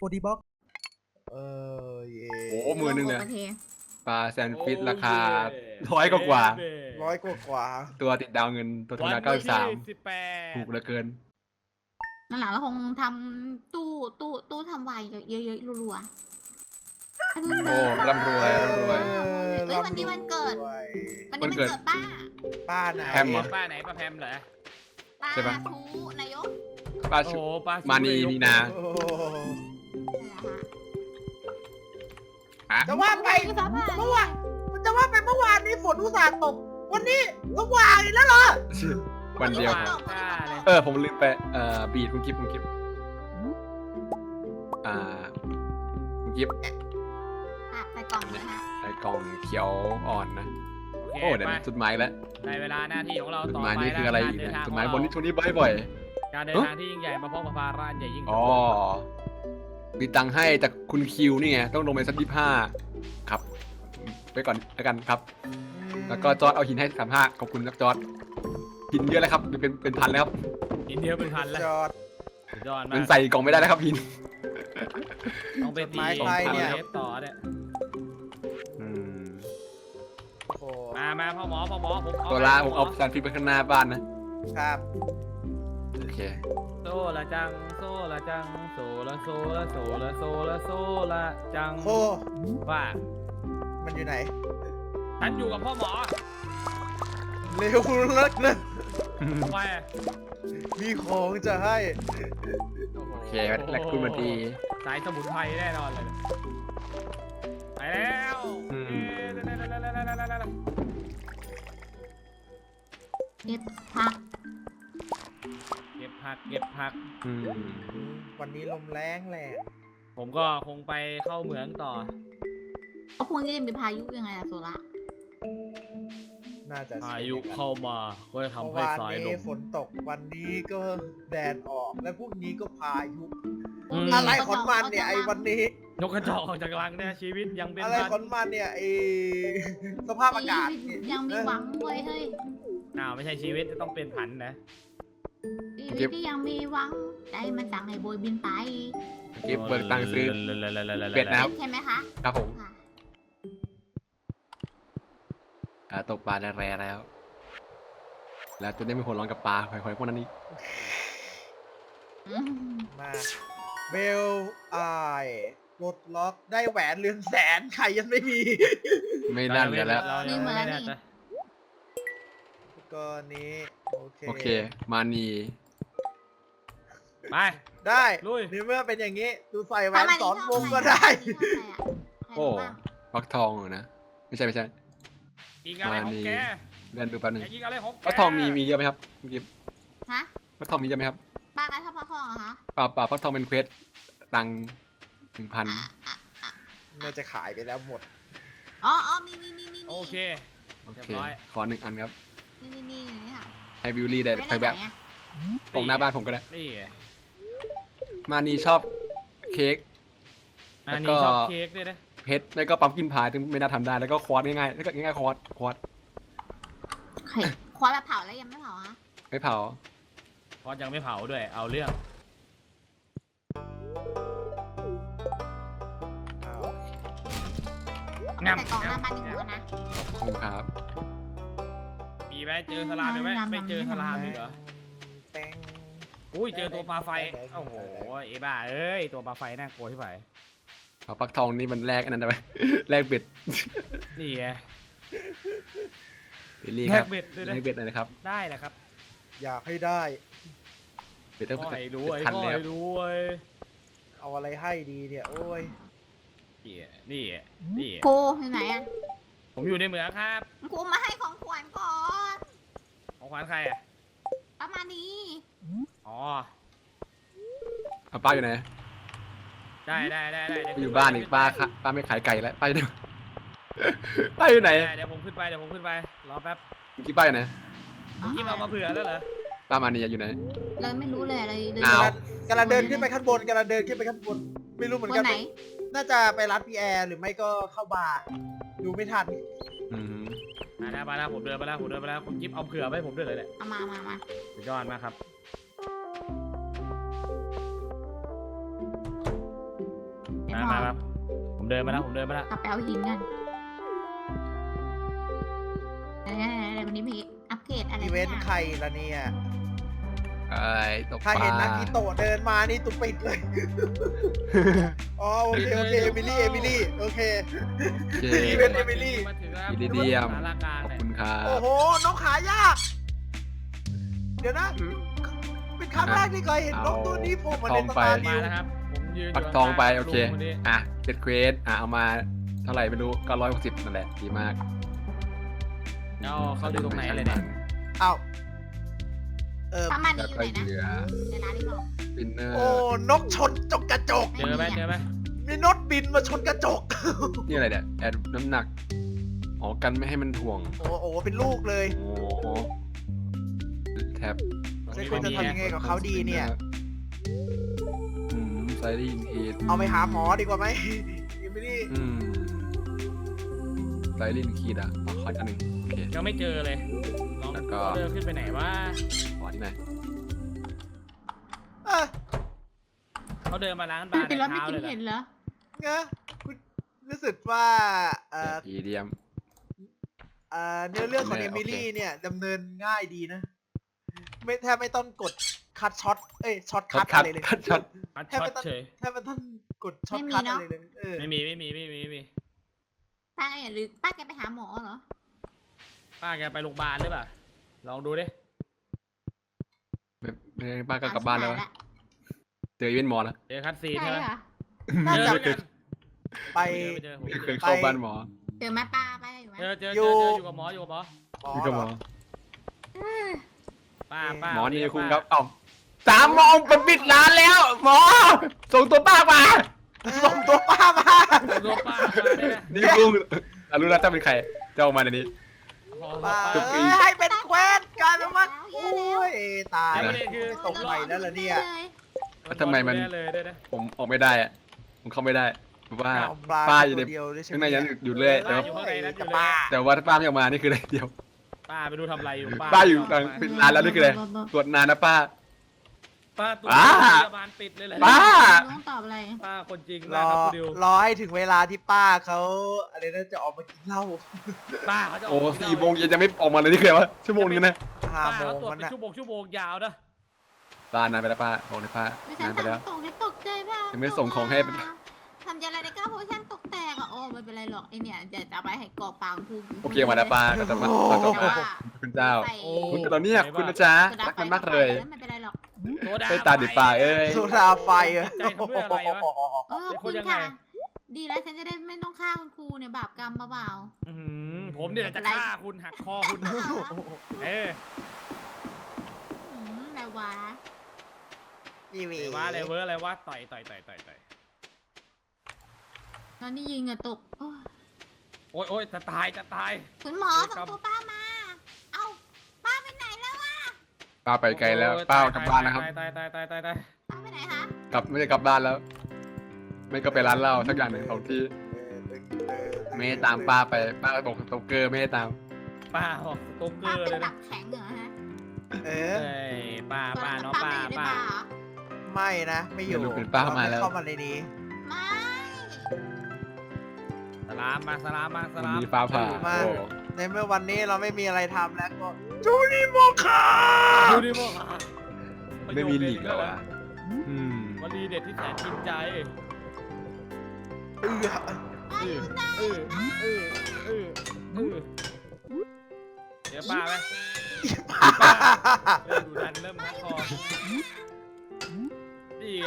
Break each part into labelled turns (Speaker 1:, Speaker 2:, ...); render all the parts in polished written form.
Speaker 1: ดีบ็อกเย่
Speaker 2: โอ้มือนึงเลย
Speaker 3: โอเค
Speaker 2: ปลาแซนด์ฟิชราคา100 กว่า
Speaker 1: 100 กว่า
Speaker 2: ตัวติดดาวเงินตัวธรรมดา93ถูกเหลือเกิน
Speaker 3: นั่นแหละเราคงทำตู้ทำไวน์เยอะๆรัวๆ
Speaker 2: โอ้ร่ำรวยร่ำรวย
Speaker 3: เอ้ยวันนี้วันเกิด วันนี้มันเกิดป้า
Speaker 1: ป้าไหน
Speaker 2: แฮมเหรอ
Speaker 4: ป้าไหนป้าแพมเหรอ
Speaker 3: ป้า
Speaker 2: ใช่ปะ
Speaker 3: ทูนายก
Speaker 2: ป้า
Speaker 4: โอ้
Speaker 2: ชุ
Speaker 4: โหป้า
Speaker 2: มานีนีนา
Speaker 1: โอ้
Speaker 3: นั่นแหละฮะ
Speaker 2: อ่ะ
Speaker 1: จะว่าไป
Speaker 3: คือฟ้าผ่า
Speaker 1: เมื่อวานจะว่าไปเมื่อวานนี้ฝนอุตส่าห์ตก วันนี้สว่างอีกแล้วเหรอ
Speaker 2: วันเดียว
Speaker 3: วัน
Speaker 2: พ
Speaker 3: นี้
Speaker 2: อ
Speaker 3: ฝนตกวันนี้ฝนตก
Speaker 2: ผมลืมไปบีดคุณกิฟคุณกิฟคุณกิฟ
Speaker 3: อ่ะใส่กล่องเลยฮะ
Speaker 2: ไอ้กล่องเขียวอ่อนนะ
Speaker 4: โอ
Speaker 2: โอ้
Speaker 4: เค
Speaker 2: เดี๋ยว
Speaker 4: ไป
Speaker 2: นะจุดหมายแล้ว
Speaker 4: ในเวลาหน้าที่ของเรา
Speaker 2: จุด
Speaker 4: ต่อ
Speaker 2: หมาย
Speaker 4: ไป
Speaker 2: นี่คืออะไรอีก
Speaker 4: เดิ
Speaker 2: เนี่ย
Speaker 4: ทาง
Speaker 2: จุดหมาย
Speaker 4: ของ
Speaker 2: บน
Speaker 4: เร
Speaker 2: นี้ช่วงนี้บ่อย
Speaker 4: การเดินทางที่ยิ่งใหญ่มาพบกับภาระอันใหญ่ยิ่ง
Speaker 2: ๆอ๋อมีตังค์ให้จากคุณคิวนี่ไงต้องลงไปสัก25ครับไปก่อนแล้วกันครับ แล้วก็จอร์ดเอาหินให้35ขอบคุณครับจอร์ดหินเยอะเลยครับเป็นพันแล้วครับ
Speaker 4: อินเดียเป็นพันแล้ว
Speaker 1: จอด
Speaker 4: สุดยอดมา
Speaker 2: มัน
Speaker 4: ก
Speaker 2: ใส่กล่องไม่ได้แล้วครับหิน
Speaker 4: ต้องไปตี
Speaker 1: จดหมายใครเนี่ย
Speaker 4: เลสต่อเนี่ย
Speaker 2: อืม
Speaker 1: โอ้โห
Speaker 4: มาพ่อหมอผมเอา
Speaker 2: ตัวละผมเอาแซนด์ฟิชไปข้างหน้าบ้านนะ
Speaker 1: ครับ
Speaker 2: โอเค
Speaker 4: โซละจังโซละจังโซละโซละโซละโซละโซละจัง
Speaker 1: โอ้
Speaker 4: ว่า
Speaker 1: มันอยู่ไหน
Speaker 4: ฉันอยู่กับพ่อหมอ
Speaker 1: เร็วเลิกนะ
Speaker 4: ทำไม
Speaker 1: มีของจะให้
Speaker 2: โอเคและคุณมาดี
Speaker 4: สายสมุนไพรแน่นอนเลยไปแล้ว
Speaker 2: อืม
Speaker 3: เก็บผัก
Speaker 4: เก็บผัก
Speaker 2: อืม
Speaker 1: วันนี้ลมแรงแหละ
Speaker 4: ผมก็คงไปเข้าเหมืองต่อ
Speaker 3: เอาพวกนี้จะมีพายุยังไงอะโซล่า
Speaker 1: น่าจะ
Speaker 4: พายุเข้ามาก็จะทำ
Speaker 1: เมื่อ
Speaker 4: ให้
Speaker 1: วาน
Speaker 4: สายล
Speaker 1: นี้
Speaker 4: ม
Speaker 1: ฝนตก วันนี้ก็แดดออก และพรุ่งนี้ก็พายุ
Speaker 4: อืม
Speaker 1: อะไรของมันเนี่ยไอ้วันนี้
Speaker 4: นกกระจอกออกจากรังเนี่ยชีวิตยังเป็น
Speaker 1: อะไร
Speaker 4: พัน
Speaker 1: ของมันเนี่ยไอ้สภาพอากาศเนี่ย
Speaker 3: ยังมีหวังเว้ยเฮ้ย
Speaker 4: ไม่ใช่ชีวิตต้องเป็นผันนะ
Speaker 3: ชีวิตที่ยังมีหวังใจมันสั่งให้โบยบินไป
Speaker 2: เก็บเบิกตังค์ซื้อ เป็ดนะครับ
Speaker 3: ใช่ไหมคะ
Speaker 2: ครับผม
Speaker 3: ค่ะ
Speaker 2: ตกปลาแร่แล้ว แล้วจะได้ไม่หัวร้อนกับปลาหอยๆพวกนั้นนี่
Speaker 3: อืม
Speaker 1: มาเบลไอปลดล็อกได้แหวนเรือนแสนใครยังไม่มี
Speaker 2: ไม่น่าเหลือแล้ว
Speaker 4: เรายังไม่ได้จะ
Speaker 1: ก็นี้
Speaker 2: โอเค มานี
Speaker 4: ไป
Speaker 1: ได้
Speaker 4: ลุย
Speaker 1: นี่เมื่อเป็นอย่างนี้ ดูใส่แหวน
Speaker 3: ทำไม
Speaker 1: สอง
Speaker 3: ชบ
Speaker 1: วง
Speaker 3: ใคร
Speaker 1: ก็ได้
Speaker 3: ชอบใครอะ
Speaker 2: โอ้
Speaker 3: ใครบ้าง
Speaker 2: ฟักทองเหรอนะ ไม่ใช่
Speaker 4: ยิงอะไรของแก
Speaker 2: เดินดูแป๊บนึง
Speaker 4: อย่ายิงอะไรของแก
Speaker 2: ฟักทองมีเยอะไหมครับคุณกิฟ
Speaker 3: ฮะ
Speaker 2: ฟักทองมีเยอะไหมครับ
Speaker 3: ป้ากันชอบพักผ่อนเหรอคะ
Speaker 2: เปล่าฟักทองเป็นเควสตังค์1,000
Speaker 1: น่าจะขายไปแล้วหมด
Speaker 3: อ๋อมี
Speaker 4: โอเค
Speaker 2: โอ
Speaker 4: เรีย
Speaker 2: เค
Speaker 4: บร้อย
Speaker 2: ขอ1 อันครับ
Speaker 3: นี่ค่ะ
Speaker 2: ให้บิวลี่ได้
Speaker 3: ไม่
Speaker 2: ใคร
Speaker 3: ได้
Speaker 2: แบ
Speaker 3: ไหน
Speaker 2: บ
Speaker 3: อะ
Speaker 2: ตรงหน้าบ้านผมก็ได้
Speaker 4: นี่
Speaker 2: มานีชอบเค้ก
Speaker 4: อั
Speaker 2: แล้ว
Speaker 4: น
Speaker 2: ก็
Speaker 4: นี้ชอบเค้กด้วยนะ
Speaker 2: เพชรแล้วก็ปั๊มกินพายถึงไม่น่าทำได้แล้วก็ควอตง่ายๆแล้วก็ง่ายๆควอต
Speaker 3: ไข่ควายแบบเผาแล้วยังไม่เผาฮะ
Speaker 2: ไม่เผา
Speaker 4: เพราะยังไม่เผาด้วยเอาเรื่อง
Speaker 3: แต่กล่องหน้าบ้านนี่หัวนะ
Speaker 2: ขอบคุณครับ
Speaker 4: มีไหมเจอสลามไหมไม่เจอสลามอีกเหรอ
Speaker 1: แป้ง
Speaker 4: อุ้ยเจอตัวปลาไฟโอ้โหเอบ้าเอ้ยตัวปลาไฟน่ากลัวที่ไหน
Speaker 2: เอาฟักทองนี่มันแลกอันนั้นได้ไหม แลกเบ็ด
Speaker 4: นี่ไง
Speaker 2: บิลลี่
Speaker 4: แล
Speaker 2: ครั
Speaker 4: ก
Speaker 2: บ
Speaker 4: เบ็ดด้วยนะ
Speaker 2: แลกเบ็ดหน่อยนะครับ
Speaker 4: ได้แหละครับ
Speaker 1: อยากให้ได้
Speaker 2: เบ็ดต้อง
Speaker 4: ก็
Speaker 2: เป็น
Speaker 4: ให้รวย
Speaker 2: พัน
Speaker 4: ก็
Speaker 2: แล้ว
Speaker 4: ให้รวย
Speaker 1: เอาอะไรให้ดีเนี่ย โอ้ย
Speaker 4: นี่นี่
Speaker 3: ครูอยู่ไหนอะ
Speaker 4: ผมอยู่ในเหมืองครับ
Speaker 3: ครูมาให้ของขวัญก่อน
Speaker 4: ของขวัญใครอ่ะ
Speaker 3: ประมาณนี้
Speaker 4: อ๋อ
Speaker 2: เอาป้าอยู่ไหน
Speaker 4: ได้
Speaker 2: อยู่บ้านอีกป้าค่ะป้าไม่ขายไก่แล้วป้าอยู่ไหน ป้าอยู่ไหน
Speaker 4: เดี๋ยวผมขึ้นไปรอแป๊บ
Speaker 2: เมื่อกี้ป้าอยู่ไหน
Speaker 4: ยิ้มเอามาเผื่อแล้วเหรอ
Speaker 2: ป้ามานีอยู่ไหน
Speaker 3: เลยไม่รู้เลยอะไรเลย
Speaker 2: อ้าว
Speaker 1: กำลังเดินขึ้นไปข้างบนกำลังเดินขึ้นไปข้างบน ไม่รู้เหมือน
Speaker 3: ค
Speaker 1: กัน
Speaker 3: นไหน
Speaker 1: น่าจะไปร้านพีแอร์หรือไม่ก็เข้าบาร์ดูไม่ทัน
Speaker 2: อืม
Speaker 4: มาแล้วผมเดินไปแล้วคุณกิ๊บเอาเผื่อไว้ผมด้วยเลยเนี่ย
Speaker 3: เอามา
Speaker 4: สุดยอดมากครับมาผมเดินมาแล้วผมเดินมาแล้ว
Speaker 3: กลับไปเอาหินกันอะไรวันนี้มีอัปเกรดอะไร
Speaker 1: อีเวนต์ใครละเนี่ย
Speaker 2: ไอ้ตกป
Speaker 1: ถ้า
Speaker 2: ลา
Speaker 1: เห็นนักกีโตะเดินมานี่ตุ๊ปิดเลย อ๋อโอเคโอเคเอมิลี่โอเค
Speaker 2: โอเค
Speaker 1: อีเวนต์ Emily
Speaker 4: มาถึงแล้ว
Speaker 2: อิริเดียม
Speaker 4: สารากลาง
Speaker 2: ขอบ
Speaker 4: เนี่ย
Speaker 2: คุณครับ
Speaker 1: โอ้โหนกหายาก เดี๋ยวนะ เป็นครั้งแรกที่เคยเห็นนกตัวนี้โผล่มาในตำนาน
Speaker 4: มา
Speaker 1: นิว
Speaker 4: แล้วครับผมยืนอยู่
Speaker 2: ปักทองไปโอเค
Speaker 4: ลุงนนี้
Speaker 2: อ่ะเจ็ดเควสเอามาเท่าไหร่ไม่รู้960นั่นแหละดีมาก
Speaker 4: เอาเขาดูตรงไหนเลยเนี่ย
Speaker 1: เอ้า
Speaker 3: ประมาณ
Speaker 2: แล้ว
Speaker 3: นี้อยู่
Speaker 2: ก็
Speaker 3: ไหนนะ
Speaker 2: เหลือ
Speaker 3: ในร้านที่บอก
Speaker 2: ปินเนอร์
Speaker 1: โอ้นกชนจกกระจก
Speaker 4: เจอไหม
Speaker 1: มีนกบินมาชนกระจก
Speaker 2: นี่อะไรเนี่ยแอดน้ำหนักอ๋อกันไม่ให้มันถ่วง
Speaker 1: โอ้โหเป็นลูกเลย
Speaker 2: โอ้โหแท็บ
Speaker 1: ใช่คุณจะทำยังไงกับเขาดีเนี่ย
Speaker 2: ไซรีนที
Speaker 1: เอาไปหาหมอดีกว่าไหมยังไม่ได้
Speaker 2: ไซรีนคีดอ่ะขออีกอันหนึ่งโอเค
Speaker 4: ยังไม่เจอเลยน้อง
Speaker 2: แล้วก็
Speaker 4: เดินขึ้นไปไหนวะ
Speaker 2: ขอที่ไหน
Speaker 1: เออ
Speaker 4: เขาเดินมาล้างบาร์
Speaker 3: เป็นรถไม่
Speaker 4: เท้า
Speaker 3: กิน
Speaker 4: เลยเหรอ
Speaker 3: เห็นเหรอ
Speaker 1: เงอะคุณรู้สึกว่า
Speaker 2: อีเดียม
Speaker 1: เนื้อเรื่องของ
Speaker 2: โอ
Speaker 1: เอ
Speaker 2: เค
Speaker 1: มิลี่เนี่ยดำเนินง่ายดีนะ ไม่แทบไม่ต้องกดคัดช็อตช็อตคัดอะไรเลย
Speaker 2: คัดช็อต
Speaker 4: อัด
Speaker 1: แทบ
Speaker 4: ช็อต
Speaker 1: ไม่ต้อง
Speaker 4: เฉย
Speaker 1: แทบไม่ต้องกดช็อตคัดอะไรเลยเออ
Speaker 4: ไม่มี
Speaker 3: ป้าหรือป้าแกไปหาหมอเหรอ
Speaker 4: ป้าแกไปโรงพยาบาลหรือเปล่าลองดูดิ
Speaker 2: ไม่ได้ป้าก็กลับบ้านแล้ววะเจออีเวนต์หมอแล้ว
Speaker 4: เจอคัดซีน
Speaker 3: ใช่
Speaker 4: ใช่ไหม
Speaker 3: เหรอ
Speaker 1: น่า
Speaker 4: เจอ
Speaker 1: จะ
Speaker 4: เหมือนกัน
Speaker 1: ไป
Speaker 4: ไม่เจอผม
Speaker 2: ไม่
Speaker 4: ไม่
Speaker 2: เค
Speaker 4: เจ
Speaker 2: ย
Speaker 4: อ
Speaker 2: เข้าบ้านหมอ
Speaker 3: เจอแม่ป้าไปอยู่ไหม
Speaker 4: เจอ
Speaker 1: อยู่
Speaker 4: อยู่กับหมออยู่กับหมอ
Speaker 2: นี่ก็หมอ
Speaker 4: ป้า
Speaker 2: หมอนี่
Speaker 4: เรียก
Speaker 2: คุณ
Speaker 4: ป้า
Speaker 2: ครับเอ้า3 โมงมันปิดร้านแล้ว หมอ ส่งตัวป้ามา
Speaker 1: ส่งตัวป้ามา
Speaker 4: ตัวป้ามาได้ไหม
Speaker 2: นี่ลุงรู้แล้วจะเป็นใครจะออกมาในนี้
Speaker 4: พอ
Speaker 1: ป้า
Speaker 2: จุกอี
Speaker 1: ให้เป็นแควนกลายเป็นว่าโอ้ยตาย
Speaker 4: แล้วประเด็นคือ
Speaker 1: ไม่ส่งใหม่แล้วเหรอเนี่ย
Speaker 2: ทำไมมัน
Speaker 4: ดูแลเลยด้วยนะ
Speaker 2: ผมออกไม่ได้อะผมเข้าไม่ได้เพราะว่า
Speaker 1: เอาปลา
Speaker 2: ป้าอยู่ใน
Speaker 1: ตัวเดียวด้วยใช่ไหม
Speaker 2: ข้างในยังอยู่เลยแต่
Speaker 4: ป้า
Speaker 2: ว่า
Speaker 4: อยู่ข้างในนั้นอยู่เลย
Speaker 1: ป้า
Speaker 2: แต่ว่าถ้าป้าไม่ออกมานี่คืออะไรเดียว
Speaker 4: ป้าไปดูทำอะไรอยู่
Speaker 2: ป้าอยู่กลางปิดร้านแล้วนี่คืออะไรตรวจนานนะป้า
Speaker 4: ป้าตัว
Speaker 2: ป้า
Speaker 4: พยาบาลปิดเลยเหรอ
Speaker 2: ป้า
Speaker 3: ต้องตอบอะไร
Speaker 4: ป้าคนจริง
Speaker 1: ร
Speaker 4: นะ
Speaker 1: อ
Speaker 4: ครับคุณดิว
Speaker 1: รอให้ถึงเวลาที่ป้าเขาอะไรนะจะออกมากินเหล้า
Speaker 4: ป้าเขาจะ
Speaker 2: โอ้4 โมงเย็นยังไม่ออกมาเลยนี่คืออะไรวะชั่วโมงนึงนะ
Speaker 1: ห้า
Speaker 4: ป้า
Speaker 1: โม
Speaker 4: เขา
Speaker 1: ง
Speaker 4: ตรวจ
Speaker 1: มัน
Speaker 4: เป็น
Speaker 1: นะ
Speaker 4: ชั่วโมงยาวนะ
Speaker 2: ป้านานไปแล้วป้าบอกเลยป้า
Speaker 3: ไม่ใช่
Speaker 2: นานไปแล้ว
Speaker 3: ตกในตกใจป่ะ
Speaker 2: ยังไม่ส่งของให้
Speaker 3: ทำยังไงในก้าวโพชั่นตกแตกอ่ะโอ้ไม่เป็นไรหรอกไอเนี่ยจะเอาไปให้กรอบปางภูมิ
Speaker 2: โอเคมาแล้วป้าก็จะมาก็จะมาคุณเจ้า
Speaker 3: ใส่
Speaker 2: คุณตอนนี้คุณนะจ๊ะ
Speaker 3: โซดา
Speaker 2: รัก
Speaker 3: ไฟ
Speaker 2: กันมากเลย
Speaker 3: ไม่เป็นไรหรอก
Speaker 4: โซดา
Speaker 2: ไปตาดิป้าเอ้ย
Speaker 1: โซดาไฟอะ
Speaker 4: ใจทำด้วยอะไรวะ
Speaker 3: ขอบคุณค่ะ ดีแล้วฉันจะได้ไม่ต้องฆ่าคุณครูเนี่ยบาปกรรมเบา
Speaker 4: อื้อหือผมเนี่ยจะฆ่าคุณหักคอคุณ เออ
Speaker 3: ๆแบบว่า
Speaker 1: นี่มี
Speaker 4: ว่าอะไรเวอร์อะไรวะต่อย
Speaker 3: ตอนนี้ยิงอะตก
Speaker 4: โอ้ยจะตาย
Speaker 3: คุณหมอส่งตัวป้ามา เอ้าป้าไปไหนแล้ววะ
Speaker 2: ป้าไปไกลแล้วป้ากลับบ้านนะครับ
Speaker 4: ตาย
Speaker 3: ป้าไปไหนคะ
Speaker 2: กลับไม่ได้กลับบ้านแล้ว ไม่ก็ไปร้านเหล้าสักอย่างหนึ่งของที่ไม่ให้ตามป้าไปป้าบอกสโตเกอร์ไม่ให้ตาม
Speaker 4: ป้าบอกสต๊อกเก
Speaker 3: ป้า
Speaker 4: อร์
Speaker 3: เป็
Speaker 4: เล
Speaker 3: น
Speaker 4: ย
Speaker 3: หลั
Speaker 4: นะ
Speaker 3: กแข็งเหรอฮะ
Speaker 1: เอ
Speaker 4: เอ้
Speaker 1: อย
Speaker 4: ป้าเนาะป้า
Speaker 3: ไม่อยู่ในบาร์เหรอ
Speaker 1: ไม่นะไม่อยู่
Speaker 2: อย่าลืมเป็นป้ามาแล้ว
Speaker 1: เข้ามาในนี้
Speaker 3: ไม่
Speaker 4: สลามมา
Speaker 2: วันนี้ฟ้าผ่า
Speaker 1: มา
Speaker 2: โอ้
Speaker 1: ในเมื่อวันนี้เราไม่มีอะไรทำแล้วก็จูนี่โมคา
Speaker 4: ดูดิโมหะ
Speaker 2: ไม่มีหลีกแล้วอ่ะอืม
Speaker 4: วลีเด็ดที่แสนกินใจ
Speaker 1: เออ
Speaker 4: เดี๋ยวป้าไหมเริ่มดูดันเริ่มฮัดคอนี่ไง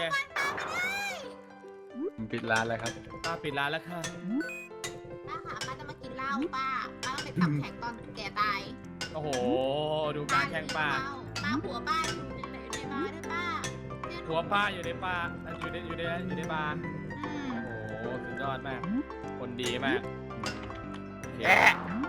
Speaker 2: ผมปิดร้านแล้วครับ
Speaker 4: ป้าปิดร้านแล้วค่ะ
Speaker 3: ป้าค่ะป้าจะมากินเหล้าป้าต้องไปตับแข็งตอนแก่ตาย
Speaker 4: โอ้โหดูการแข่งป้า
Speaker 3: ป้าหัวป้าอยู่ในบาร์ด้วยป้า
Speaker 4: หัวป้าอยู่ในป่าอยู่ในบาร์
Speaker 3: อืม
Speaker 4: โอ้โหสุดยอดมากคนดีมากโอเค
Speaker 1: แอะ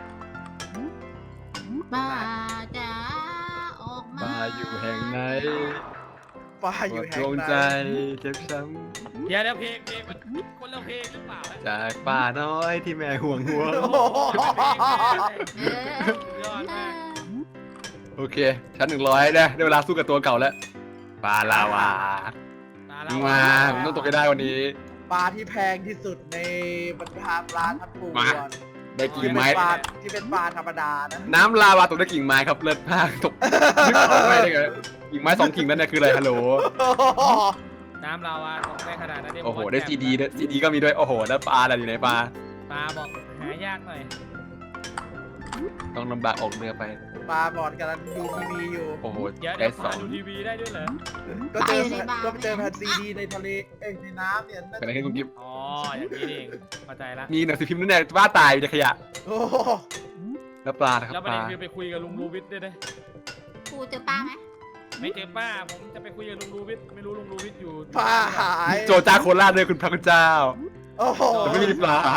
Speaker 3: ป้าจะออกมา
Speaker 2: ป้าอยู่แห่งไหน
Speaker 1: ป้าอยู่
Speaker 2: ด
Speaker 1: แห่
Speaker 2: ว
Speaker 1: ง
Speaker 2: ง
Speaker 1: ไหน
Speaker 2: ใจเจ็บช้
Speaker 4: เดี๋ยวเพลงมันคนละเพลงหรือเปล่า
Speaker 2: ำจากป้าน้อยที่แม่ห่วงห่วง
Speaker 1: โอ้โห
Speaker 3: เออ
Speaker 4: สุดยอดมาก
Speaker 2: โอเค ชั้น100ได้เวลาสู้กับตัวเก่าแล้วปลาลาวา
Speaker 4: ตาเรา
Speaker 2: มาผมต้องตกให้ได้วันนี้
Speaker 1: ปลาที่แพงที่สุดในบรรดาปลาทั้งปวง
Speaker 2: ได้กิ่งไม้
Speaker 1: ที่เป็นปลาธรรมดานะ
Speaker 2: น้ำลาวาตกได้กิ่งไม้ครับเลิศมากตกนึกออกไหมได้ไงกิ่งไม้2 กิ่งนั่นเนี่ยคืออะไรฮัลโหล
Speaker 4: น้ำลาวาตกได้ขนาดนั้นเนี่ย
Speaker 2: โอ้โหได้ซีดีด้วยซีดีก็มีด้วยโอ้โหแล้วปลาอะไรอยู่ในปลา
Speaker 4: ปลาบอกหายากหน่อย
Speaker 2: ต้องลำบากออกเรือไป
Speaker 1: ปลาบอดกำลังดูทีวีอยู่
Speaker 2: โอ้โห
Speaker 4: เดี๋ยว
Speaker 2: ได้
Speaker 4: ปลาดูทีวีได้ด้วยเหรอ
Speaker 1: ก็เจอแผ่นซีดีในทะเลในน้ำเนี่ย
Speaker 2: เป็นอะไรขึ้นคุณกิฟ
Speaker 4: อ๋ออย่างนี้เองเข้าใจละ
Speaker 2: มีหนังสือพิมพ์นั่นแหละว่าตายอยู่ในขยะ
Speaker 1: โอ้
Speaker 2: แล้วปลานะครับ
Speaker 4: แล้วป
Speaker 2: ประ
Speaker 4: เด็
Speaker 2: ลาน
Speaker 4: คือไปคุยกับลุงรูวิทย์ด้วยนะ
Speaker 3: ครูเจอป้าไหม
Speaker 4: ไม่เจอป้าผมจะไปคุยกับลุงรูวิทย์ไม่รู้ลุงรูวิทย์อยู่
Speaker 1: ปลาหาย
Speaker 2: โจจ้าโคราชเลยคุณพระคุณเจ้า
Speaker 1: โอ้โห
Speaker 2: แต่ไม่มีปลา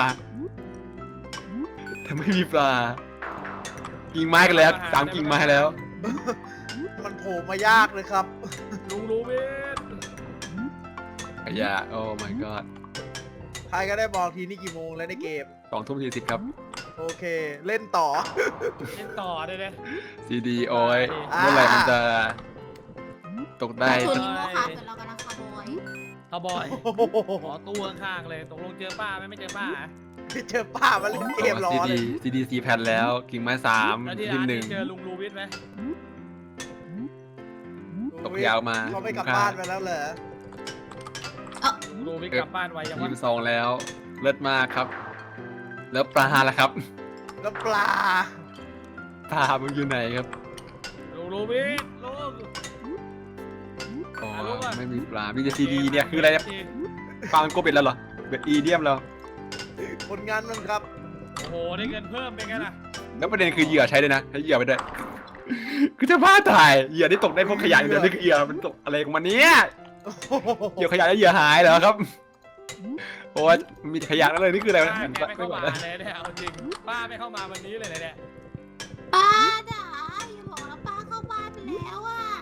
Speaker 2: แต่ไม่มีปลากิ่งไม้กันแล้ว3 กิ่งไม้แล้ว
Speaker 1: มันโผล่มายากเลยครับ
Speaker 4: ลุงรูวิทย์
Speaker 2: ขยะโอ้ my god
Speaker 1: ใครก็ได้บอกทีนี่กี่โมงแล้วในเกม
Speaker 2: 20:40ครับ
Speaker 1: โอเค เล่นต่อ
Speaker 4: เล่นต่อเลยนะ
Speaker 2: ซีดีโอ้ย
Speaker 1: อ่า
Speaker 2: เมื่อไหร่มันจะตกได้
Speaker 3: ชวนนิโมค่ะเดี๋ยวเรากำลังขโมย
Speaker 4: เขาบอย
Speaker 1: โอ้โห
Speaker 4: ขอตู้ข้างๆเลยตกลงเจอป้าไหมไม่เจอป้า
Speaker 1: ไม่เจอป้ามาเล่นเกมรอ
Speaker 2: ซี
Speaker 1: เล
Speaker 2: ดี
Speaker 1: ย
Speaker 2: ซีดี4 แผ่นแล้วกิ่งไม้
Speaker 4: แล้วที่
Speaker 2: 3
Speaker 4: ร้าน
Speaker 2: ห
Speaker 4: นี้
Speaker 2: นึ่ง
Speaker 4: เจอลุงรูวิทย์ไหม
Speaker 2: ตกยาวมา
Speaker 1: เขาไม่กลับบ้านไปแล้วเหรอ
Speaker 4: ลุงรูวิทย์กลับบ้านไวยังวะ
Speaker 2: 22แล้วเลิศมากครับ แล้วปลาล่ะครับ
Speaker 1: แล้วปลา
Speaker 2: ปลามันอยู่ไหนครับ
Speaker 4: ลุงรูวิทย์ลุง
Speaker 2: อ๋อ
Speaker 4: รู้ป่ะ
Speaker 2: ไม่มีปลามีแต่ซีดีเนี่ยคืออะไรเนี่ยปลามันโกเป็นแล้วเหรอเป็นอีเดียมแล้ว
Speaker 1: ผลงานมันครับ
Speaker 4: โอ้โหได้เงินเพิ่มเป็นไงล่ะ
Speaker 2: แล้วประเด็นคือเหยื่อใช้ด้วยนะใช้เหยื่อไปด้วย คือจะบ้าตายเหยื่อที่ตกได้พวกขยะอย่างเดียวนี่คือเหยื่อมันตกอะไรของมันเนี่ยเหยื่อขยะแล้วเหยื่อหายเหรอครับโอ้ยมีแต่ขยะนั่นเลยนี่คืออะไรวะ
Speaker 4: ป้าแกไม่เข้า
Speaker 2: ไหว
Speaker 4: มา
Speaker 2: แล้ว
Speaker 4: เลยเนี่ยเอาจริงป้าไม่เข้ามาวันนี้เลยเนี่ย
Speaker 3: ป้าจ๋าอย่าบอกนะป้าเข้าบ้านไปแล้วอ่ะ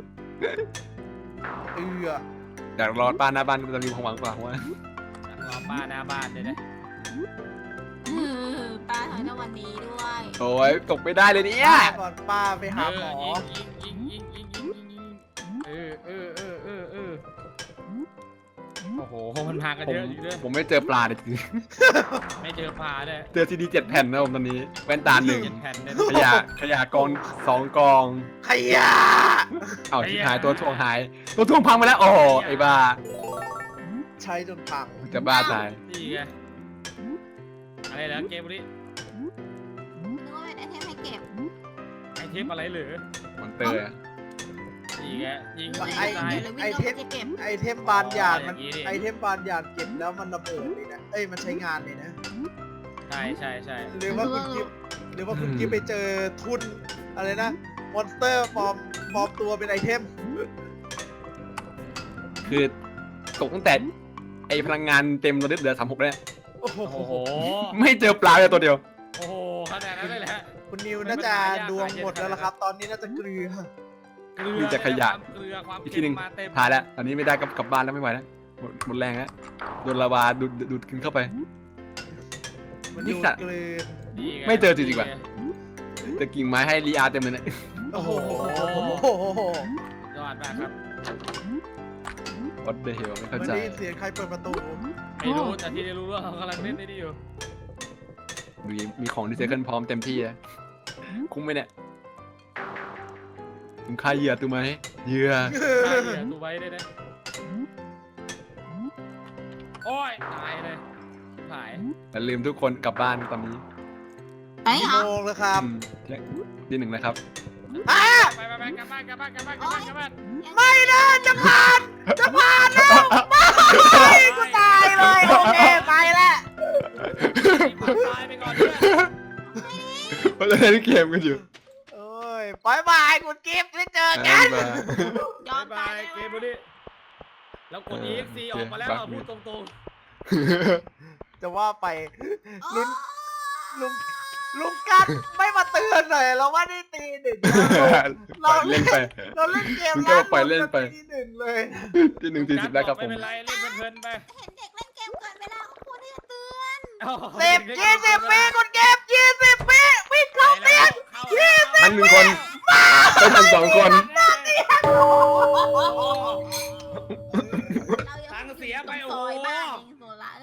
Speaker 2: อยากรอดบ้านหน้าบ้านจะมีความหวังกว่าว่า
Speaker 4: รอป้าหน้าบ้านเลยนะ
Speaker 3: ป้าถอยในวันนี้ด้วย
Speaker 2: โอ้ยตกไม่ได้เลยเนี่ย
Speaker 1: ก่อนป้าไปหาหมอ
Speaker 4: ยิงโอ้โหมันพากัน
Speaker 2: ผม
Speaker 4: เยอะอยู่ด้วย
Speaker 2: ผมไม่เจอปลาเลยจริง
Speaker 4: ไม่เจอปลาเลย
Speaker 2: เจอซีดี7 แผ่นนะผมตอนนี้แว่นตา1
Speaker 4: เจ็ดแผ่นเนี่ย
Speaker 2: ขยะกอง2 กอง
Speaker 1: ขยะ
Speaker 2: เอ้าที่หายตัวถ่วงหาย ตัวถ่วงพังไปแล้วโอ้โหไอ้บ้า
Speaker 1: ใช้จนพัง
Speaker 2: จะบ้าตาย
Speaker 4: นี่ไงอะไรเหรอเกมนี้
Speaker 3: นึกว่าเป็นไอเทมให้เก็บ
Speaker 4: ไอเทมอะไรเหรือ
Speaker 2: มอนเตอร์อะ
Speaker 4: นี่ไงยิง
Speaker 3: นึกว่า
Speaker 4: ไอ้
Speaker 3: ไอ
Speaker 4: ตาย
Speaker 3: เทมเลยวิ่งเข้าไปจะเก็บ
Speaker 1: ไอเทมบานหยาดมัน
Speaker 4: อย่างนี้ดิ
Speaker 1: ไอเทมบานหยาดเก็บแล้วมันระเบิดเลยนะเอ้ยมันใช้งานเลยนะ
Speaker 4: ใช่ใช่ใช่
Speaker 1: หรือว่าคุณกิฟหรือว่าคุณกิฟไปเจอทุนอะไรนะมอนสเตอร์ปลอมตัวเป็นไอเทม
Speaker 2: คือตกตั้งแต่ไอ้พลังงานเต็มเราเหลือ36แล้ว
Speaker 1: โอ้โห
Speaker 4: โอ้โห
Speaker 2: ไม่เจอปลาเลยตัวเดียว
Speaker 4: โอ้โหขนาดนั้นเลยแหละ
Speaker 1: คุณนิวน่าจะดวงหมดแล้วล่ะครับ ตอนนี้น่าจะเกลือ
Speaker 4: เกลื
Speaker 2: มี
Speaker 4: อ
Speaker 2: แต่ขยะ
Speaker 4: เกลือความ
Speaker 2: อีกที
Speaker 4: เค็
Speaker 2: หนึ่
Speaker 4: ม
Speaker 2: ง
Speaker 4: มาเต็ม
Speaker 2: ถ่ายแล้วตอนนี้ไม่ได้กลับบ้านแล้วไม่ไหวแล้วหมดแรงแล้วโดนลาวาดูดกินเข้าไป
Speaker 1: มัน
Speaker 2: นี่
Speaker 1: ดู
Speaker 2: สัตว์
Speaker 1: เกลือ
Speaker 4: นี่ง
Speaker 2: ไม่เจอจริงๆว่ะ แต่กิ่งไม้ให้รีอาร์เต็มเลยเนี่ย
Speaker 1: โอ้โห
Speaker 4: ยอดมากครับ
Speaker 2: วัดเดเฮลไม่
Speaker 1: มั
Speaker 2: เข้าน ใจ
Speaker 1: ได้ยินเสียงใครเปิดประตู
Speaker 4: ไม่รู้แต่ที่ได้รู้ว่าเขากำลังเล่นได้ดีอยู่
Speaker 2: มีของดีเซเคิลพร้อมเต็มที่แล้วคุ้มไหมเนี่ยคุ้มค่าเหยื่อตัวไหมเหยื่อ
Speaker 4: ใช่เนี่ยดูไว้ได้นะโอ้ยตายเลยหาย
Speaker 2: อย่าลืมทุกคนกลับบ้านตอนนี้
Speaker 3: ไปเห
Speaker 1: กี่
Speaker 3: รอ
Speaker 1: โมงแล้วครับ
Speaker 2: ที่1นะครับ
Speaker 4: ไปกลับบ้านกลับบ้านกลับบ้านกลับบ้านกลับบ้าน
Speaker 1: ไม่นะจะผ่านแล้วไม่กูตายเลยโอเคไปแล้ว
Speaker 4: ตายไปก่อนเนี่ย
Speaker 2: เพราะจะเล่นเกมกันอยู่
Speaker 1: โอ้ยบายบายคุณกิฟต์ไม่เจอกัน
Speaker 2: บ๊ายบาย
Speaker 3: ยอม
Speaker 4: บา
Speaker 3: ตาย
Speaker 4: ย
Speaker 3: ได้
Speaker 4: เก
Speaker 3: ไหม
Speaker 4: มบุรีแล้วกด EXC ออกมาแล้วเอาพูดตรง
Speaker 1: จะว่าไป
Speaker 3: ลุ
Speaker 1: ลุงกัดไม่มาเตือนหน่อยเราว่าได้ตีหนึ่ง
Speaker 2: ปล่อยเล่นไป
Speaker 1: เราเล่นเกม
Speaker 2: คุณก็ปล่อยเล่นไป
Speaker 1: ตีหนึ่งเลย
Speaker 2: ที่
Speaker 4: ๆ
Speaker 2: 1:40แล้วครับผ
Speaker 4: ไม่
Speaker 2: ม
Speaker 4: เป็นไรเล่นเพลินๆไป
Speaker 3: เห็นเด็กเล่นเกมเกินเวลาของคุณที่จะเตือน
Speaker 1: 10 20 ปีคุณเก็บ20 ปีวิ่งเข้าเตียง
Speaker 2: ทัน1 คนไม่ทัน2 คน
Speaker 4: ตังค์เสียไปโอ้โห
Speaker 3: ซอยบ้านเองซ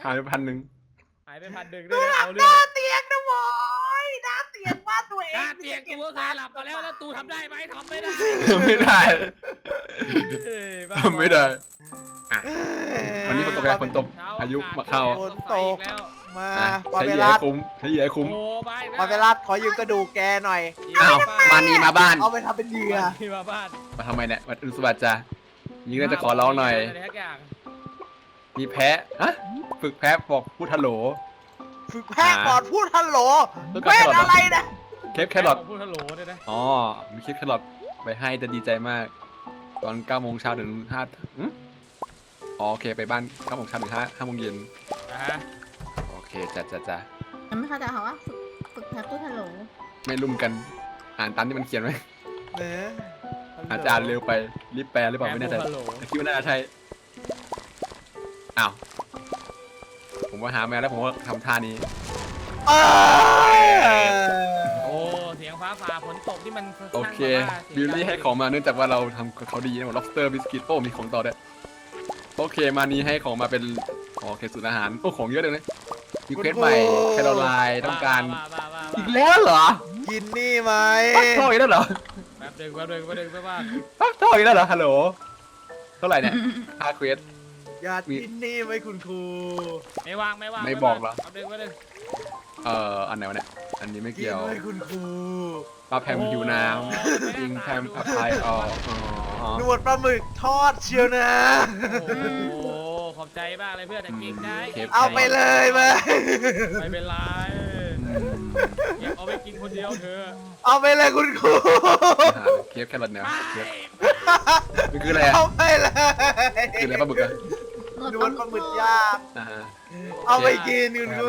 Speaker 2: ายไป1,000
Speaker 4: หายไป1,000ด้วยนะเอาเรื่อง
Speaker 1: เตียงนะบอยหน้าเตียงว่าตัวเอง
Speaker 4: หน้าเตียงกูก็เคยหลับมาแล้วตูทำได้ไหมทำไม่ได้
Speaker 2: ไม่ได้
Speaker 4: เอ้ยบ้า
Speaker 2: ไม่ได้อ่ะวันนี้ฝนตกแล้วฝนตก
Speaker 4: เช้
Speaker 2: พายุมาเข้า
Speaker 4: ฝนตกแล้ว
Speaker 1: มา
Speaker 2: อ่ะ
Speaker 1: ปา
Speaker 2: ใช้
Speaker 1: เป
Speaker 2: เหยื่อ
Speaker 1: รั
Speaker 2: ให้
Speaker 1: ส
Speaker 2: คุ้มใช้เหยื่อให้คุ้ม
Speaker 4: โอ้ไป
Speaker 1: ปาเปรัสขอยืมกระดูกแกหน่อย
Speaker 2: อ้าวมานีมาบ้าน
Speaker 1: เอาไปทำเป็นเหยื่อ
Speaker 4: ที่มาบ้าน
Speaker 2: มาทำไมเนี่ยมาอุสบัติจ้ะยิงน่าจะขอร้องหน่อย
Speaker 4: ะไรทักอย่าง
Speaker 2: มีแพะฮะฝึกแพะบอกพูดฮัลโหล
Speaker 1: ฝึกแพทย์ก่อนพูดฮัลโหล
Speaker 2: แล้วก็
Speaker 1: เวท
Speaker 2: แครอทเหรออ
Speaker 1: อะไรนะ
Speaker 2: เคปแครอท
Speaker 4: พูดฮัลโหลด้วยนะ
Speaker 2: อ๋อมีคลิปแครอทไปให้จะดีใจมาก ตอน9 โมงเช้าถึง5อ๋อโอเคไปบ้าน9 โมงเช้าถึง5 โมงเย็น
Speaker 4: นะฮะ
Speaker 2: โอเคจ้ะ
Speaker 3: ยังไม่เข้าใจเขาว่าฝึกแพ้พูดฮัลโหล
Speaker 2: ไม่รุ่มกันอ่านตามที่มันเขียนไว้
Speaker 1: เนอะ
Speaker 2: อาจารย์เร็วไปรีบแปลหรือเปล่าไม่แน่ใจ
Speaker 4: พูดฮัลโหล
Speaker 2: แต่คิดว่าน่าจะใช่อ้าวผมว่าหามาแล้วผมว่าทำท่านี้
Speaker 1: เอ้ย
Speaker 4: โอ้เสียงฟ้าผ่าฝนตกที่มัน
Speaker 2: โอเค
Speaker 4: นั่งแบบว่า
Speaker 2: บิลลี่ให้ของมาเนื่องจากว่าเราทำเขาดีนะหมด lobster biscuit โอ้มีของต่อด้วยโอเคมานี้ให้ของมาเป็นโอเคสูตรอาหารโอ้ของเยอะเลยนะมีเควสใหม่แคโรไลน์ต้องการ
Speaker 4: บ้า
Speaker 2: อีกแล้วเหรอ
Speaker 1: กินนี่ไหม
Speaker 2: ปักทองอีกแล้วเหรอ
Speaker 4: แป๊บเดินไปว่า
Speaker 2: ปักทองอีกแล้วเหรอฮัลโหลเท่าไหร่เนี่ยค่าเควส
Speaker 1: อยากกินนี่ไหมคุณครู
Speaker 4: ไม่ว่าง
Speaker 2: ไม่บอกเหรอ
Speaker 4: แป๊บเดิน
Speaker 2: อันไหนวะเนี่ยอันนี้ไม่
Speaker 1: กิน
Speaker 2: เกี่ยว
Speaker 1: ไหมคุณครู
Speaker 2: ปลาแพมหิวน้ำยิงแพมอภัยอ๋อ
Speaker 1: หนวดปลาหมึกทอดเชียวนะ
Speaker 4: โอ้โหขอบใจมากเลยเพื่อนแต่เก่งได้
Speaker 1: เอาไปเลยมา
Speaker 4: ไม่เป็นไรเก็บเอาไปกินคนเดียวเถอะ
Speaker 1: เอาไปเลยคุณครู
Speaker 2: เคฟแครอทเนี่ยเคฟมันคืออะไรอะ
Speaker 1: เอาไปเลย
Speaker 2: คืออะไรปลาบึกอะ
Speaker 1: หนวดปลาหมึกย่าง
Speaker 2: อ่าฮะ
Speaker 1: เอาไปกินคุณครู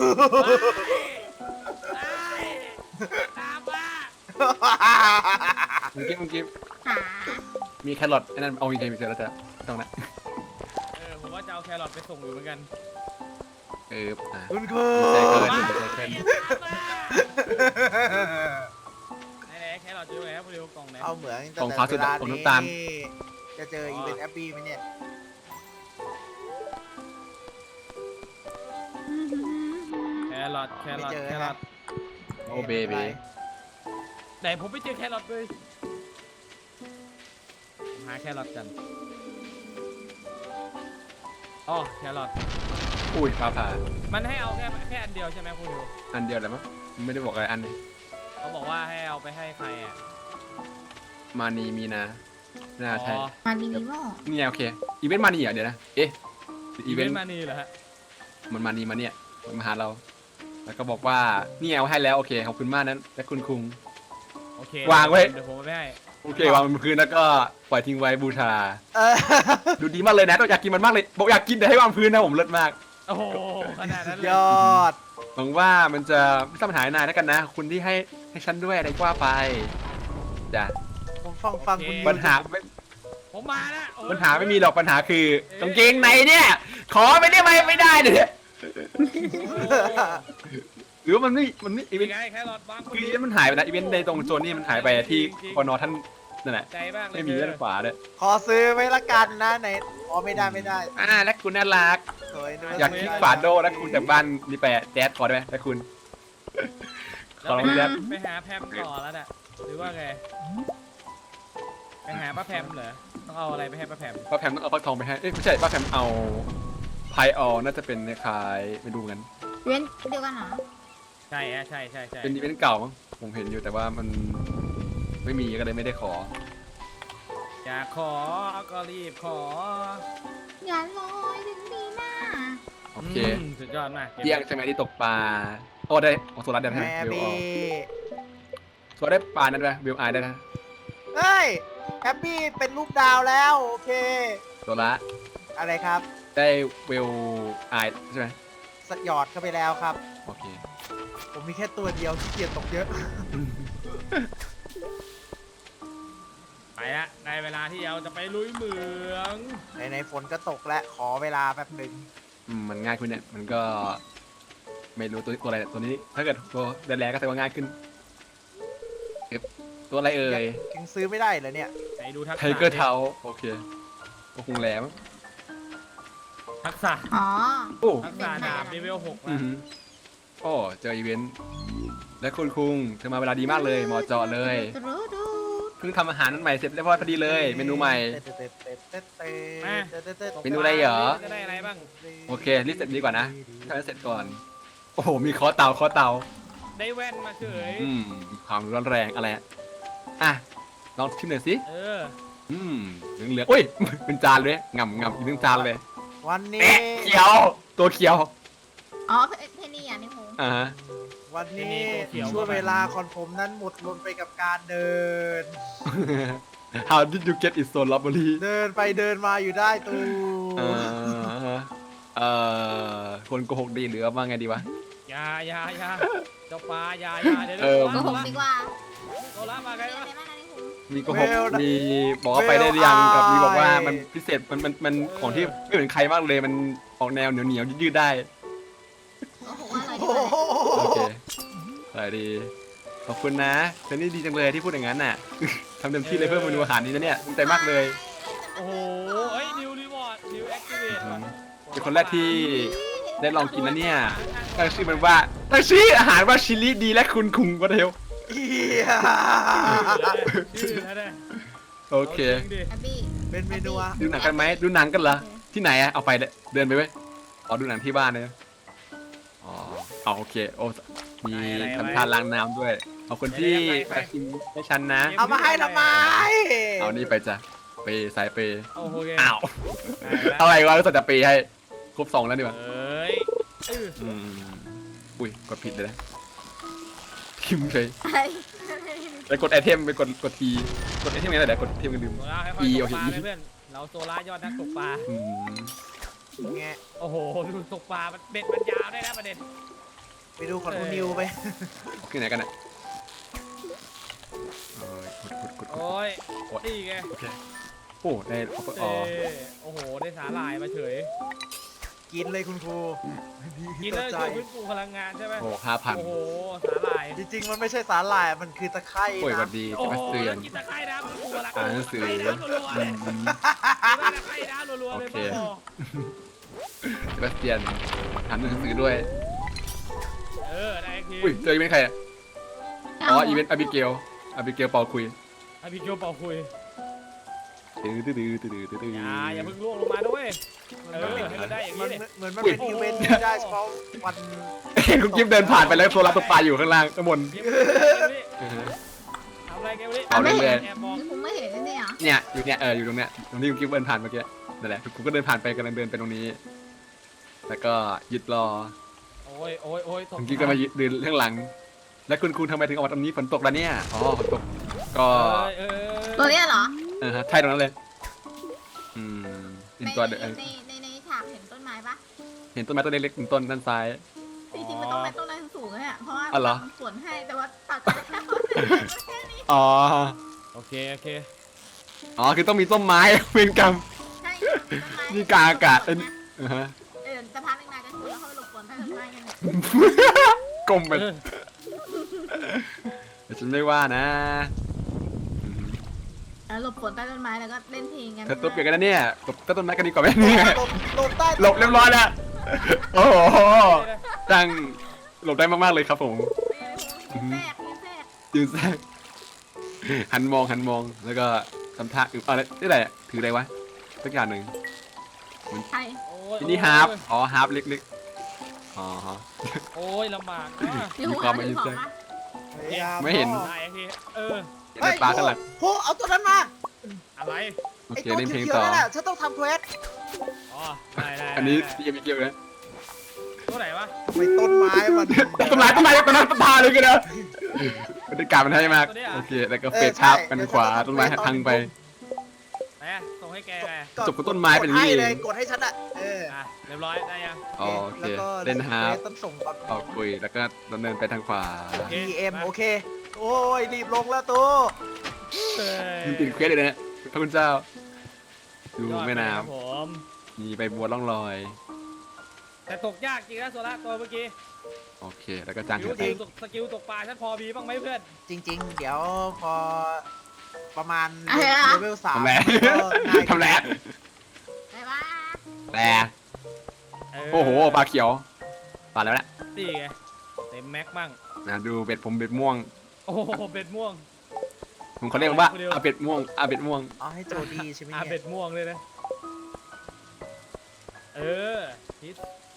Speaker 4: ตามมา
Speaker 2: เมื่อกี้
Speaker 3: หา
Speaker 2: มีแครอทไอ้นั่นเอามีใครมีเจอแล้วจ้ะตรงนั้น
Speaker 4: ผมว่าจะเอาแครอทไปส่งอยู่เหมือนกัน
Speaker 2: อ่ะ
Speaker 1: คุณครู
Speaker 2: ใจเกินใจเกิน
Speaker 4: ไหนแครอทอยู่ไหนครับเร็วกล่องไหน
Speaker 1: เอาเหมือง
Speaker 2: ของฟ้าสุดอะของน้ำตาล
Speaker 1: จะเจออีเวนต์แอปปี้ไหมเนี่ย
Speaker 4: แครอท
Speaker 1: ไม่เจอ
Speaker 4: แครอท
Speaker 2: โอ้เบบี
Speaker 4: ไหนผมไม่เจอแครอทเลยหาแครอทกันอ๋อแครอท
Speaker 2: อุ้ยฟ้าผ่า
Speaker 4: มันให้เอาแค่อันเดียวใช่ไหมคุณดิว
Speaker 2: อันเดียวแหละมั้งไม่ได้บอกอะไรอันนี้
Speaker 4: เขาบอกว่าให้เอาไปให้ใครอ่ะ
Speaker 2: มานีมีนาน่าใช่
Speaker 4: อ๋อ
Speaker 3: มาดีมีโม่
Speaker 2: นี่ไงโอเคอีเวนต์มานีเหรอเดี๋ยวนะเอ๊ะอีเวนต์
Speaker 4: มานี่เหรอฮะ
Speaker 2: มันมานีมาเนี่ยมันมาหาเรา แล้วก็บอกว่านี่เอาให้แล้วโอเคขอบคุณมากนั้นและคุณคุง
Speaker 4: โอเคว
Speaker 2: างไว้
Speaker 4: เดี๋ยวผมเอาไปให้
Speaker 2: โอเควางบนพื้นแล้วก็ปล่อยทิ้งไว้บูชา
Speaker 1: เออ
Speaker 2: ดูดีมากเลยนะต้องอยากกินมันมากเลยบอกอยากกินแต่ให้วางพื้นนะผมเลิศมาก
Speaker 4: โอ้โหขนาดนั้นเลย
Speaker 1: ยอด
Speaker 2: หวังว่ามันจะไม่ต้องปัญหานายแล้วกันนะ คุณที่ให้ฉันด้วยอะไรก็ว่าไปจ้ะ
Speaker 1: ผมฟังคุณ
Speaker 2: ปัญหาไม่
Speaker 4: ผมมาแล้วโอ้ย
Speaker 2: ปัญหาไม่มีหรอกปัญหาคือกางเกงในเนี่ย ขอไปได้ไหมไม่ได้เนี่ย หรือว่ามันไม่อีเว
Speaker 4: เป็น
Speaker 2: นต์
Speaker 4: ไงแครอทบางคน
Speaker 2: คืออีเวนต์มันหายไปนะอีเวนต์ในตรงโซนนี้มันหายไปที่พอนอท่านนั่นแหละ
Speaker 4: ใจมากเลย
Speaker 2: ไม่มีด้านขวาเลย
Speaker 1: ขอซื้อไว้ละกันนะไหนอ๋อไม่ได้
Speaker 2: และคุณน่ารัก
Speaker 1: สวยด้วย
Speaker 2: อยากคิดฝาโดแล้วคุณจากบ้านนี่ไปแจ๊ดขอได้ไหมแล้วคุณ ขอลองแจ๊ด
Speaker 4: ไปหาแพมต่อแล้วน่ะหรือว่าไงไปหาป้าแพมเหรอต้องเอาอะไรไปให้ป้าแพม
Speaker 2: ป้าแพมต้องเอาฟักทองไปให้เอ้ยไม่ใช่ป้าแพมเอาไพออน่าจะเป็นคล้ายๆไม่ดูกัน
Speaker 3: เว้นเดียวกันเหรอ
Speaker 4: ใช่ใช่
Speaker 2: เป็นอีเวนต์เก่ามั้งผมเห็นอยู่แต่ว่ามันไม่มีก็เลยไม่ได้ขอ
Speaker 4: อยากขอก็รีบขอ
Speaker 3: อย่าลอยถึงปีหน้า
Speaker 2: โอเค
Speaker 4: สุดยอดมากก็บ
Speaker 2: เที่ยงใช่ไหมที่ตกปลาโอ้ได้ของโซลัสได้ไหม
Speaker 1: แฮป
Speaker 2: วิวอ
Speaker 1: ปี้
Speaker 2: อกโซลัสได้ปลานั้นไหมวิวไอได้นะ
Speaker 1: เฮ้ยแฮปปี้เป็นรูปดาวแล้วโอเค
Speaker 2: โซลัส
Speaker 1: อะไรครับ
Speaker 2: ได้วิวไอใช่ไหม
Speaker 1: สหยอดเข้าไปแล้วครับ
Speaker 2: โอเค
Speaker 1: ผมมีแค่ตัวเดียวที่เกียจตกเยอะ
Speaker 4: ไปละได้เวลาที่เราจะไปลุยเหมือง
Speaker 1: ในฝนก็ตกแล้วขอเวลาแป๊บหนึ่ง
Speaker 2: มันง่ายขึ้นเนี่ยมันก็ไม่รู้ตัวอะไรตัวนี้ ถ้าเกิดตัวแดนแรกก็แสดงว่าง่ายขึ้นเอ๊ะตัวอะไรเอ่ย
Speaker 1: ยังซื้อไม่ได้เหรอเนี่ย
Speaker 4: ไปดูทักษะ
Speaker 2: ไทเกอร์เทาโอเคก็คงแหลม
Speaker 4: ทักษะ
Speaker 3: อ๋อ
Speaker 2: โอ้
Speaker 4: ทักษะดาบเลเวล6
Speaker 2: อื
Speaker 4: นะ
Speaker 2: อหือโอ้เจออีเวนต์และคุณคุงเธอมาเวลาดีมากเลยเหมาะเจาะเลย
Speaker 3: ดูดู
Speaker 2: เพิ่งทำอาหารนั้นใหม่เสร็จเรียบร้อยพอดีเลยเมนูใหม่ เมนูอะไรเหรอ
Speaker 4: จะได้อะไรบ้าง
Speaker 2: โอเครีบเสร็จดีกว่านะทำให้เสร็จก่อนโอ้โหมีเคอเตา
Speaker 4: ได้แว่นมาเฉย
Speaker 2: ความร้อนแรงอะไรอ่ะลองชิมหน่อยสิ
Speaker 4: เออ
Speaker 2: เหลืองๆอุ้ย เป็นจานเลยง่ำอีกหนึ่งจานเลย
Speaker 1: วันนี้
Speaker 2: แอะเขียว ตัวเขียว
Speaker 3: อ๋อเพนนี่อ่ะนี่ผม
Speaker 2: อ่าฮะ
Speaker 1: วันนี้ช่วงเวลาของผมนั้นหมดลงไปกับการเดิน
Speaker 2: How did you get it so lovely
Speaker 1: เดินไปเดินมาอยู่ได้ตู
Speaker 2: เคนโกหกดีหรือว่าไงดีวะ
Speaker 4: อยาเจ้าปลาอยาเดี๋ยว
Speaker 2: เออ
Speaker 3: โกหกดีกว่า
Speaker 4: โซล่ามาไง
Speaker 3: มีอะไร
Speaker 4: วะ
Speaker 3: บ้างนะนี่ผม
Speaker 2: มีโกหกมีบอกว่าไปได้หรือยังกับมีบอกว่ามันพิเศษมันของที่ไม่เหมือนใครมากเลยมันออกแนวเหนียวยืดได้
Speaker 3: โกหกว่าอะไร
Speaker 1: โอ้
Speaker 3: ดี
Speaker 1: โห
Speaker 2: โอเคสวัสดีขอบคุณนะเธอนี่ดีจังเลยที่พูดอย่างนั้นน่ะ ทำเต็มที่เลยเพิ่มเมนูอาหารนี้นะเนี่ยตั้งใจมากเลย
Speaker 4: โอ้โหเฮ้ยนิวรีวอร์ดนิวแอคทีเวต
Speaker 2: เป็นคนแรกที่ได้ลองกินนะเนี่ยตั้งชื่อมันว่าตั้งชื่ออาหารว่าชิลลี่ดีและคุณคุงก็เดียว
Speaker 1: เฮีย
Speaker 4: ชื่อแล้วเนี่ย
Speaker 2: โอเค
Speaker 3: แอบบี้
Speaker 1: เป็นเมนูอะ
Speaker 2: ดูหนังกันไหมดูหนังกันเหรอที่ไหนอะเอาไปเลยเดินไปไหมอ๋อดูหนังที่บ้านเลยอ๋อเอาโอเคโอ้มีทำทานล้างน้ำด้วยเอาคนที่มาชิมให้ฉันนะ
Speaker 1: เอามาให้ทำไม
Speaker 2: เอานี่ไปจ้ะเปย์สายเปย์
Speaker 4: โอ้โห
Speaker 2: อ้าวอะไรวะรู้สึกจะเปย์ให้ครบ2แล้วดีกว่า
Speaker 4: เอ้ย
Speaker 2: อุ้ยกดผิดเลยนะคิมเลย
Speaker 3: ไอ้
Speaker 2: ไปกดไอเทมไปกดทีกดไอเทมไงแต่เดี๋ยวกดเทมกันลืม
Speaker 4: โซล่าให้ค่อยตกปลาเลยเพื่อนเราโซล่ายอดนักตกปลา
Speaker 2: อืม
Speaker 1: ไง
Speaker 4: โอ้โหดูตกปลาเบ็ดมันยาวได้นะประเด็น
Speaker 1: ไปดูของคุณนิวไป
Speaker 2: ขึ้นไหนกันอ่ะโอ้ยกด
Speaker 4: โอ้ยนี่ไง
Speaker 2: โอเคโอ้ได้อ๋อ
Speaker 4: โอ้โหได้สาหร่ายมาเฉย
Speaker 1: กินเลยคุณครู
Speaker 4: กินแล้วช่วยฟื้นฟูพลังงานใช่ไหม
Speaker 2: โอ้5,000
Speaker 4: โอ้โหสาหร่าย
Speaker 1: จริงๆมันไม่ใช่สาหร่ายมันคือตะไคร้
Speaker 2: โอ้ยสวั
Speaker 1: นะ
Speaker 2: สดี
Speaker 4: โอ้
Speaker 2: จะ
Speaker 4: โห
Speaker 2: มาเตือน
Speaker 4: กินตะไคร้น้ำฟื้นฟูพลัง
Speaker 2: อ่านหนังสือ
Speaker 4: ตะไคร้น้ำรัวๆเลยตะไคร้น้ำรัวๆเลย
Speaker 2: โอเค
Speaker 4: พ่อ
Speaker 2: เซบาสเตียนถามหนังสือด้วย
Speaker 4: ได้ที
Speaker 2: อุ้ยเจออีเวนต์ใครอ่ะอ๋ออีเวนต์อาบิเกลเป่าคุย
Speaker 4: ให้พี่โจเป่าคุย
Speaker 2: ตื้อ
Speaker 4: อย่าเพิ่งล่วงลงมาด้วยให้มันได้อย่าง
Speaker 1: มั
Speaker 4: นี้
Speaker 1: น
Speaker 4: เลย
Speaker 1: เหมือนมันเป็นอีเวนต์ที่ได้เฉพาะวัน
Speaker 2: เห็นคุณกิฟเดินผ่านไปแล้วโซลาร์ตัวปลาอยู่ข้างล่างข้างบน
Speaker 4: ทำอะไรกันวะนี่
Speaker 2: เอาเรื่อย
Speaker 4: แอบมอง
Speaker 3: นี่ผมไม่เห็นเลยเนี่ย
Speaker 2: เนี่ยอยู่เนี่ยอยู่ตรงเนี้ยตรงที่คุณกิฟเดินผ่านเมื่อกี้นั่นแหละคุณก็เดินผ่านไปกำลังเดินไปตรงนี้ แล้วก็ยึดรอ
Speaker 4: โอ้ย
Speaker 2: คุณกิฟก็มายืนข้างหลัง แล้วคุณทำไมถึงออกมาตรงนี้ฝนตกแล้วเนี่ยอ๋อฝนตกก็
Speaker 3: ตัวเนี้ยเหรอ
Speaker 2: ฮะใช่ตรงนั้นเลยเป็น
Speaker 3: ใน
Speaker 2: ตัว
Speaker 3: ในฉากเห็นต้นไม้ปะ
Speaker 2: เห็นต้นไม้ต้นเล็กๆต้นด้านซ้าย
Speaker 3: จริงๆมันต้องเป็นต้นไม้สูงๆเนี่ยเพราะว่า
Speaker 2: อ๋อเหรอ
Speaker 3: สวนให้แต่ว่าตัดไปแล้วแค่นี้
Speaker 2: อ๋อ
Speaker 4: โอเค
Speaker 2: อ๋อคือต้องมีต้นไม้ เป็นกรรม
Speaker 3: ใช่ต้นไม้
Speaker 2: นี่กลางอากาศเป็นฮะ
Speaker 3: จะพักนานๆกันคุณแล้วเขาหลบฝนใต้ต้นไม้กันเนี่ย
Speaker 2: กลมไปแต่ฉันไม่ว่านะ
Speaker 3: หลบฝนใต้ต้นไม้แล้วก็เล่นเพลงกัน
Speaker 2: เธอตัวเปียกกันนะเนี่ยหลบต้นไม้กันดีกว่าไหมเนี่ย
Speaker 1: หลบใต้
Speaker 2: หลบเรียบร้อยแล้วโอ้โหตั้งหลบได้มากๆเลยครับผม
Speaker 3: แทรกแทรก
Speaker 2: ยืนแทรกหันมองแล้วก็ทำท่าอะไรนี่อะไรถืออะไรวะสักอย่างหนึ่ง
Speaker 3: ใช่
Speaker 2: อันนี้ฮาร์ปอ๋อฮาร์ปเล็กๆอ๋อ
Speaker 4: โอ้ยลำบากนะ
Speaker 3: มีหัวมีของปะ
Speaker 2: ไม่เห็น
Speaker 4: ได้ที
Speaker 2: ในปลาข้างหลัง
Speaker 1: โหเอาตัวนั้นมา
Speaker 4: อะไร
Speaker 2: โอ
Speaker 1: ไอ
Speaker 2: เค
Speaker 1: ตัว
Speaker 2: เล่นเพลง
Speaker 1: เขียว
Speaker 2: ต่อ
Speaker 1: ๆนั่นแหละฉันต้องทำเควส
Speaker 4: อ๋อได้
Speaker 2: อันนี้ยังไม่เกี่ยวนะ
Speaker 4: ตัวไหนวะ
Speaker 1: ทำไมต้นไม้มัน
Speaker 2: ต้นไม้ต้นพาเลยกันนะบรรยากาศมันให้มากโอเคแล้วก็เฟดภาพกันขวาต้นไม้พังไป
Speaker 4: ไหนส่งให้แกไง
Speaker 2: จบกับต้นไม้เป็นอย่างนี้
Speaker 1: กดให้เลยกดให้ฉันอะ
Speaker 4: เรียบร้อยได้ยัง
Speaker 2: โอเค
Speaker 1: แล้วก็
Speaker 2: เล่นฮาร์ป
Speaker 1: ต้องส่งตอน
Speaker 2: ออกคุยแล้วก็ดำเนินไปทางขวา
Speaker 1: PM โอเค โอ้ยรีบลงแล้วตู้
Speaker 2: มันติดเควสเลยนะพระคุณเจ้า ดูแม่น้
Speaker 4: ผม
Speaker 2: ำมีใบบัวล่องลอย
Speaker 4: แต่ตกยากจริงนะโซล่าตัวเมื่อกี้
Speaker 2: โอเค แล้วก็จ้าง
Speaker 4: ส
Speaker 2: เถอะ
Speaker 4: กิลตกปลาฉันพอมีบ้างไหมเพื่อน
Speaker 1: จริง ๆ เดี๋ยวพอประมาณ
Speaker 3: อะไร
Speaker 1: เล
Speaker 3: นะ
Speaker 1: เวล 3
Speaker 2: ทำแหล
Speaker 1: ก็ง่าย
Speaker 2: ทำแหล
Speaker 3: ไปว่า
Speaker 2: แหลโอ้โหปลาเขียวปลาแล้วแหละ
Speaker 4: นี่ไงเต็มแม็กบ้าง
Speaker 2: นะดูเบ็ดผมเบ็ดม่วง
Speaker 4: โอ้โหเบ็ดม่วง
Speaker 2: ผมเขาเรียกว่าอาเบ็ดม่วงอาเบ็ดม่วง
Speaker 1: เอาให้โจดีใช่ไหม
Speaker 4: อา
Speaker 1: เนี่
Speaker 4: เบ็
Speaker 1: ย
Speaker 4: ดม่วงเลยนะฮิต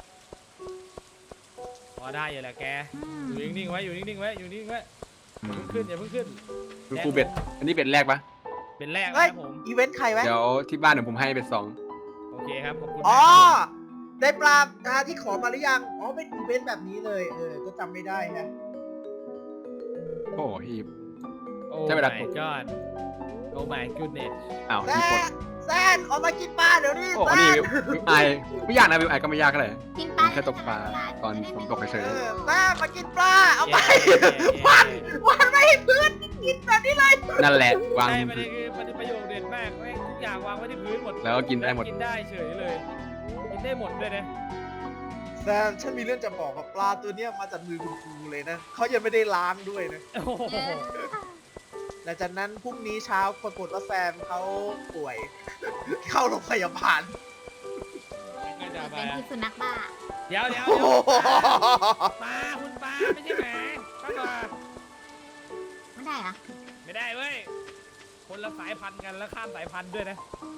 Speaker 4: พอได้อยู่แหละแก
Speaker 3: อืม
Speaker 4: อยู่นิ่งๆไว้อยู่นิ่งๆไว้อยู่นิ่งๆไว้
Speaker 2: อื
Speaker 4: อย่าม เพิ่งขึ้น
Speaker 2: ดูครูเบ็ดอันนี้เบ็ดแรกปะ
Speaker 4: เป็นแรก
Speaker 1: เฮ้ย
Speaker 4: นะครับผม
Speaker 1: อีเวนต์ใครไว้
Speaker 2: เดี๋ยวที่บ้านเดี๋ยวผมให้เบ็ดสอง
Speaker 4: โอเคครับขอบคุณ
Speaker 1: อ๋อ
Speaker 4: มากครับ
Speaker 1: ได้ปลาที่ขอมาหรือยัง อ๋อ เป็นอีเวนต์แบบนี้เลย ก็จำไม่ได้นะ
Speaker 2: โอ้ฮีบ
Speaker 4: โอ้
Speaker 2: ใช่เวลา
Speaker 4: my god โอ้ my goodness
Speaker 2: อ้าว
Speaker 1: แซ
Speaker 2: ฮีบหมด
Speaker 1: นแซนออกมากินปลาเดี๋ยวนี้
Speaker 2: โอ้
Speaker 1: แซ
Speaker 2: นี่
Speaker 1: น
Speaker 2: วิวไอไม่ยากนะวิวไอก็ไม่ยากเท่าไหร่
Speaker 3: กินปลา
Speaker 2: แค่ตกปลาตอนฝนตกเฉย
Speaker 1: แซนมากินปลา เอาไป
Speaker 4: เย้
Speaker 1: วันไม่ให้พื้นกินแบบนี้เลย
Speaker 2: นั่นแหละวาง
Speaker 4: ใช่ประเด็นคือประโยคเด็ดมากแม่งทุกอย่างวางไว้ที่พื้นหมด
Speaker 2: แล้วก็กินได้หมด
Speaker 4: กินได้เฉยเลย กินได้หมดเลยนะ
Speaker 1: แซมฉันมีเรื่องจะบอกกับปลาตัวเนี้ยมาจากมือคุณครูเลยนะ เขายังไม่ได้ล้างด้วยนะ
Speaker 4: โอ้โห
Speaker 3: เยอะ
Speaker 1: หลังจากนั้นพรุ่งนี้เช้าปรากฏว่าแซมเขาป่วย เข้าโรงพยาบาล
Speaker 4: ก็จะไป
Speaker 3: เป็นพิษสุนัขบ้า
Speaker 4: เดี๋ยว
Speaker 1: โอ้โห
Speaker 4: ปลาคุณปลาไม่ใช่หมาป้าปลา
Speaker 3: ไม่ได้เหรอะ
Speaker 4: ไม่ได้เว้ย คนละสายพันธุ์กันแล้วข้ามสายพันธุ์ด้วยนะ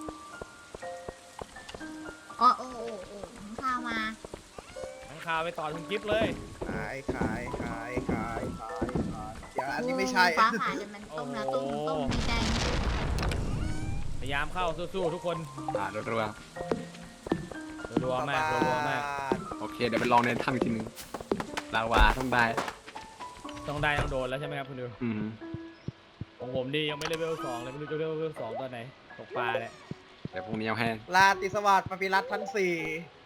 Speaker 3: อ๋อโอ้โอ้โอ้ของข้าวมา
Speaker 4: ทั้งข่าวไปต่อคุณกิฟต์เลย
Speaker 1: ขายเดี๋ยวอันนี้ไม่ใช่
Speaker 3: ฟ้าผ่าจนมันต้มแล้วต้มดีใจ
Speaker 4: พยายามเข้าสู้ๆทุกคน
Speaker 2: รัว
Speaker 4: รัวๆมากรัวๆมาก
Speaker 2: ๆโอเคเดี๋ยวไปลองในถ้ำอีกทีนึงลาวาต้องได้
Speaker 4: ต้องได้ต้องโดนแล้วใช่ไหมครับคุณดิว
Speaker 2: อืม
Speaker 4: ของผมดียังไม่เลเวล2เลยไม่รู้จะเลเวล2ตอนไหนตกปลาเนี่ย
Speaker 2: แต่พรุ่งนี้เอาให้
Speaker 1: ลาติสวัสดิ์ปปิรัตน์ทั้งสี่